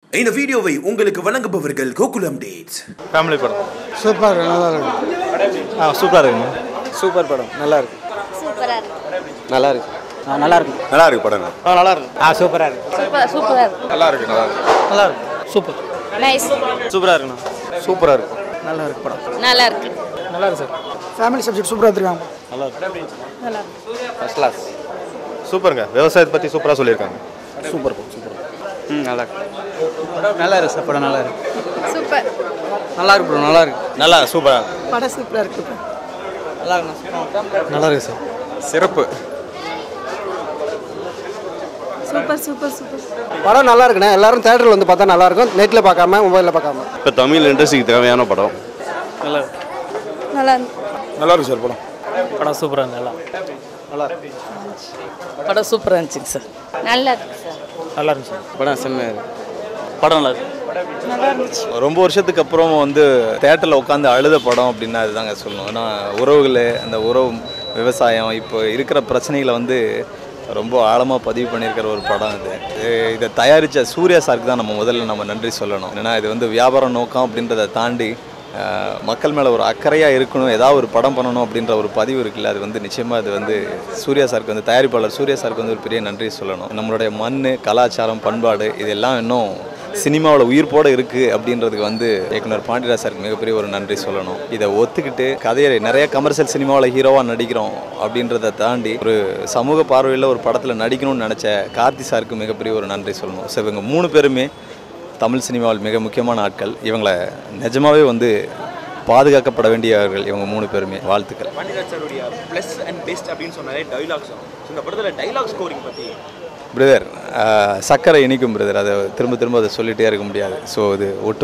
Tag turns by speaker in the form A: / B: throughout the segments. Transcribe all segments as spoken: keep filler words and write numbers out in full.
A: இந்த வீடியோவை உங்களுக்கு வழங்குபவர்கள் கோகுலம் டேட்ஸ்.
B: ஃபேமிலி படம்
C: சூப்பர், நல்லா இருக்கு.
B: ஆ சூப்பராக இருக்குங்க.
C: சூப்பர் படம், நல்லா இருக்கு.
D: சூப்பரா இருக்கு.
C: நல்லா இருக்கு.
E: ஆ நல்லா இருக்கு.
B: நல்லா இருக்கு படம்.
C: ஆ நல்லா இருக்கு.
E: ஆ சூப்பரா இருக்கு.
D: சூப்பர் சூப்பரா இருக்கு.
B: நல்லா இருக்கு. நல்லா இருக்கு.
C: நல்லா இருக்கு. சூப்பர்.
D: நைஸ்.
B: சூப்பராக இருக்குண்ணா. சூப்பராக இருக்கு.
C: நல்லா இருக்கு படம்.
D: நல்லா இருக்கு.
C: நல்லா இருக்கு சார். ஃபேமிலி சப்ஜெக்ட் சூப்பராக எடுத்துருக்காங்க.
B: நல்லா இருக்கு.
D: நல்லா இருக்கு.
B: First class. சூப்பருங்க. விவசாயத்தை பற்றி சூப்பராக சொல்லியிருக்காங்க.
C: Super super.
E: ம் நல்லா இருக்கு. நல்லா இருக்கு சார், படம் நல்லா இருக்கு.
D: சூப்பர்.
C: நல்லா இருக்கு ப்ரோ, நல்லா இருக்கு.
B: நல்லா சூப்பராக.
C: படம் சூப்பராக இருக்கு. நல்லா இருக்கு. நல்லா இருக்கு சார்.
B: சிறப்பு.
D: Super super super.
C: படம் நல்லா இருக்குண்ணே. எல்லாரும் தேட்டரில் வந்து பார்த்தா நல்லா இருக்கும், நெட்டில் பார்க்காம மொபைலில் பார்க்காம.
F: இப்போ தமிழ் இண்டஸ்ட்ரிக்கு தேவையான படம்.
C: நல்லா
D: நல்லா
B: நல்லா இருக்கு சார் படம்.
C: படம் சூப்பராக நல்லா நல்லா இருக்கு. படம் சூப்பராக இருந்துச்சுங்க சார்.
D: நல்லா இருக்கு சார்.
C: நல்லா இருந்துச்சு சார். படம் செம்மையாக இருக்கு.
F: படம் நல்லா இருக்கு.
D: நல்லா இருந்துச்சு.
F: ரொம்ப வருஷத்துக்கு அப்புறம் வந்து தேட்டரில் உட்காந்து அழுத படம் அப்படின்னா அதுதாங்க சொல்லணும். ஏன்னா உறவுகள், அந்த உறவு, விவசாயம், இப்போ இருக்கிற பிரச்சனைகளை வந்து ரொம்ப ஆழமாக பதிவு பண்ணியிருக்கிற ஒரு படம் இது. இதை தயாரித்த சூர்யா சாருக்கு தான் நம்ம முதல்ல நம்ம நன்றி சொல்லணும். ஏன்னா இது வந்து வியாபார நோக்கம் அப்படின்றத தாண்டி மக்கள் மேலே ஒரு அக்கறையாக இருக்கணும், ஏதாவது ஒரு படம் பண்ணணும் அப்படின்ற ஒரு பதிவு இருக்குல்ல, அது வந்து நிச்சயமாக அது வந்து சூர்யா சாருக்கு வந்து தயாரிப்பாளர் சூர்யா சாருக்கு வந்து ஒரு பெரிய நன்றி சொல்லணும். நம்மளுடைய மண், கலாச்சாரம், பண்பாடு இதெல்லாம் இன்னும் சினிமாவில் உயிர்ப்போடு இருக்குது அப்படின்றதுக்கு வந்து இயக்குனர் பாண்டியராஜ் சாருக்கு மிகப்பெரிய ஒரு நன்றி சொல்லணும். இதை ஒத்துக்கிட்டு கதையை நிறைய கமர்ஷியல் சினிமாவில் ஹீரோவாக நடிக்கிறோம் அப்படின்றத தாண்டி ஒரு சமூக பார்வையில் ஒரு படத்தில் நடிக்கணும்னு நினச்ச கார்த்தி சாருக்கு மிகப்பெரிய ஒரு நன்றி சொல்லணும். ஸோ இவங்க மூணு பேருமே தமிழ் சினிமாவில் மிக முக்கியமான ஆட்கள். இவங்களை நிஜமாகவே வந்து பாதுகாக்கப்பட வேண்டியவர்கள் இவங்க மூணு பேருமே. வாழ்த்துக்கள்.
G: பாண்டியராஜ் சாருடைய ப்ளஸ் அண்ட் பெஸ்ட் அப்படின்னு சொன்னாலே டைலாக்ஸ். இந்த படத்தில் டைலாக் ஸ்கோரிங் பற்றி
F: பிரதர், சக்கரை இனிக்கும் பிரதர், அதை திரும்ப திரும்ப அதை சொல்லிகிட்டே இருக்க முடியாது. ஸோ இது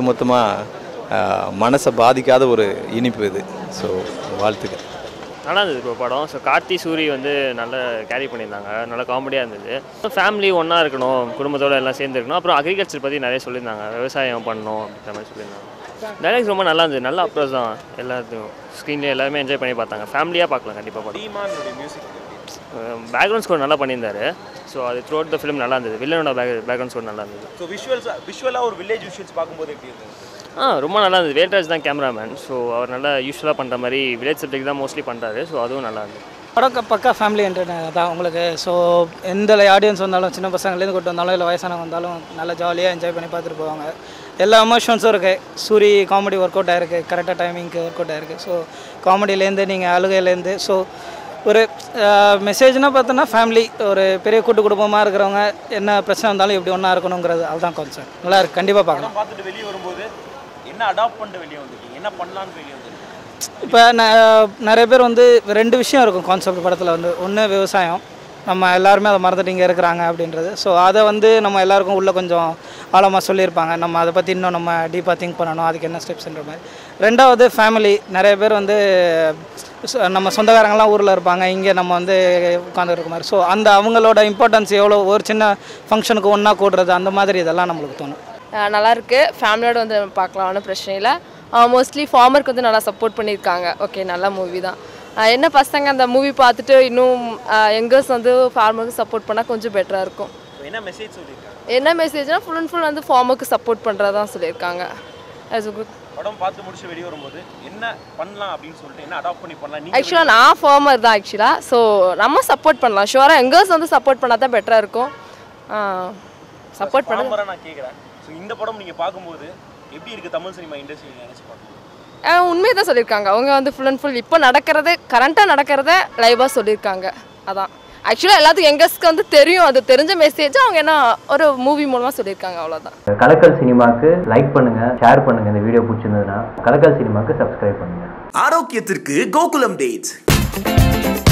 F: ஒட்டுமொத்தமாக மனசை பாதிக்காத ஒரு இனிப்பு இது. ஸோ வாழ்த்துக்கள்.
H: நல்லா இருந்தது இப்போ படம். ஸோ கார்த்தி சூரி வந்து நல்லா கேரி பண்ணியிருந்தாங்க, நல்லா காமெடியாக இருந்தது. ஃபேமிலி ஒன்றா இருக்கணும், குடும்பத்தோடு எல்லாம் சேர்ந்து இருக்கணும். அப்புறம் அக்ரிகல்ச்சர் பற்றி நிறைய சொல்லியிருந்தாங்க, விவசாயம் பண்ணணும் அப்படின்ற மாதிரி சொல்லியிருந்தாங்க. டைலாக்ஸ் ரொம்ப நல்லா இருந்தது, நல்ல அப்ரோச் தான். எல்லாத்தையும் ஸ்க்ரீன்லேயே எல்லாருமே என்ஜாய் பண்ணி பார்த்தாங்க. ஃபேமிலியாக பார்க்கலாம் கண்டிப்பாக படம்.
G: மியூசிக்
H: பேக்ரவுண்ட் ஸ்கோர் நல்லா பண்ணியிருந்தாரு. ஸோ அது த்ரூ அவுட் த ஃபிலிம் நல்லா இருந்தது. வில்லனோட பேக் பேக்ரவுண்ட் ஸ்கோர் நல்லா இருந்தது.
G: ஸோ விஷுவல்ஸ் விஷுவலாக ஒரு வில்லேஜ் விஷுவல்ஸ் பார்க்கும்போது எப்படி இருந்தது?
H: ஆ ரொம்ப நல்லா இருந்தது. வேல்ராஜ் தான் கேமராமேன். ஸோ அவர் நல்லா யூஸ்வலாக பண்ணுற மாதிரி வில்லேஜ் சப்ஜெக்ட் தான் மோஸ்ட்லி பண்ணுறாரு. ஸோ அதுவும் நல்லா இருந்தது.
E: படம் பக்கா ஃபேமிலி என்டர்டைனர் தான் உங்களுக்கு. ஸோ எந்த ஆடியன்ஸ் வந்தாலும், சின்ன பசங்கள்லேருந்து கூட்டு வந்தாலும் இல்லை வயசானவங்க வந்தாலும் நல்லா ஜாலியாக என்ஜாய் பண்ணி பார்த்துட்டு போவாங்க. எல்லா எமோஷன்ஸும் இருக்குது. சூரி காமெடி ஒர்க் அவுட் ஆகிருக்கு, கரெக்டாக டைமிங்க்கு ஒர்க் அவுட் ஆகிருக்கு. ஸோ காமெடியிலேருந்து நீங்கள் அழுகையிலேருந்து, ஸோ ஒரு மெசேஜ்னால் பார்த்தோன்னா ஃபேமிலி, ஒரு பெரிய கூட்டு குடும்பமாக இருக்கிறவங்க என்ன பிரச்சனை வந்தாலும் எப்படி ஒன்றா இருக்கணுங்கிறது அதுதான் கான்செப்ட். நல்லா இருக்குது, கண்டிப்பாக பார்க்கலாம்.
G: பார்த்துட்டு வெளியே வரும்போது என்ன அடாப்ட் பண்ணிட்டு வெளியே வந்துருக்கீங்க, என்ன பண்ணலான்னு வெளியே வந்துருக்கு?
E: இப்போ ந நிறைய பேர் வந்து ரெண்டு விஷயம் இருக்கும் கான்செப்ட் படத்தில் வந்து. ஒன்று விவசாயம், நம்ம எல்லாருமே அதை மறந்துட்டு இங்கே இருக்கிறாங்க அப்படின்றது. ஸோ அதை வந்து நம்ம எல்லாருக்கும் உள்ளே கொஞ்சம் ஆழமாக சொல்லியிருப்பாங்க. நம்ம அதை பற்றி இன்னும் நம்ம டீப்பாக திங்க் பண்ணணும், அதுக்கு என்ன ஸ்டெப்ஸ்ன்ற மாதிரி. ரெண்டாவது ஃபேமிலி, நிறைய பேர் வந்து நம்ம சொந்தக்காரங்களாம் ஊரில் இருப்பாங்க, இங்கே நம்ம வந்து உட்காந்துருக்க மாதிரி. ஸோ அந்த அவங்களோட இம்பார்ட்டன்ஸ் எவ்வளோ, ஒரு சின்ன ஃபங்க்ஷனுக்கு ஒன்றா கூடுறது, அந்த மாதிரி இதெல்லாம் நம்மளுக்கு தோணும்.
I: நல்லாயிருக்கு. ஃபேமிலியோடு வந்து பார்க்கலாம், ஒன்றும் பிரச்சனை இல்லை. மோஸ்ட்லி ஃபார்மருக்கு வந்து நல்லா சப்போர்ட் பண்ணியிருக்காங்க. ஓகே, நல்ல மூவி தான். என்ன பசங்க அந்த மூவி பார்த்துட்டு இன்னும் யங்கர்ஸ் வந்து ஃபார்மருக்கு சப்போர்ட் பண்ணால் கொஞ்சம் பெட்டராக இருக்கும்.
G: என்ன மெசேஜ் சொல்லியிருக்காங்க?
I: என்ன மெசேஜ்னால் ஃபுல் அண்ட் ஃபுல் வந்து ஃபார்மருக்கு சப்போர்ட் பண்ணுறதான் சொல்லியிருக்காங்க. அது குட்.
G: படம் பார்த்து முடிச்சு வெளியே வரும்போது என்ன பண்ணலாம் அப்படின்னு சொல்லிட்டு என்ன அடாப்ட் பண்ணி பண்ணலாம்?
I: ஆக்சுவலாக நான் ஃபார்மர் தான் ஆக்சுவலாக. ஸோ நம்ம சப்போர்ட் பண்ணலாம். ஷுவராக யங்கர்ஸ் வந்து சப்போர்ட் பண்ணால் தான் பெட்டராக இருக்கும். சப்போர்ட் பண்ண
G: நான் கேட்குறேன். ஸோ இந்த படம் நீங்கள் பார்க்கும்போது எப்படி இருக்குது தமிழ் சினிமா இண்டஸ்ட்ரி நினச்சி பார்க்கணும்?
I: உண்மையை தான் சொல்லியிருக்காங்க. அவங்க வந்து ஃபுல் அண்ட் ஃபுல் இப்போ நடக்கிறது, கரண்ட்டாக நடக்கிறத லைவாக சொல்லியிருக்காங்க. அதான் ஆக்சுவலாக எல்லாத்துக்கும் யங்கர்ஸ்க்கு வந்து தெரியும், அது தெரிஞ்ச மெசேஜ் அவங்க என்ன ஒரு மூவி மூலமாக சொல்லியிருக்காங்க, அவ்வளோதான்.
J: கலக்கல் சினிமாவுக்கு லைக் பண்ணுங்கள், ஷேர் பண்ணுங்கள். இந்த வீடியோ பிடிச்சிருந்ததுன்னா கலக்கல் சினிமாவுக்கு சப்ஸ்கிரைப் பண்ணுங்கள்.
A: ஆரோக்கியத்திற்கு கோகுலம் டேட்ஸ்.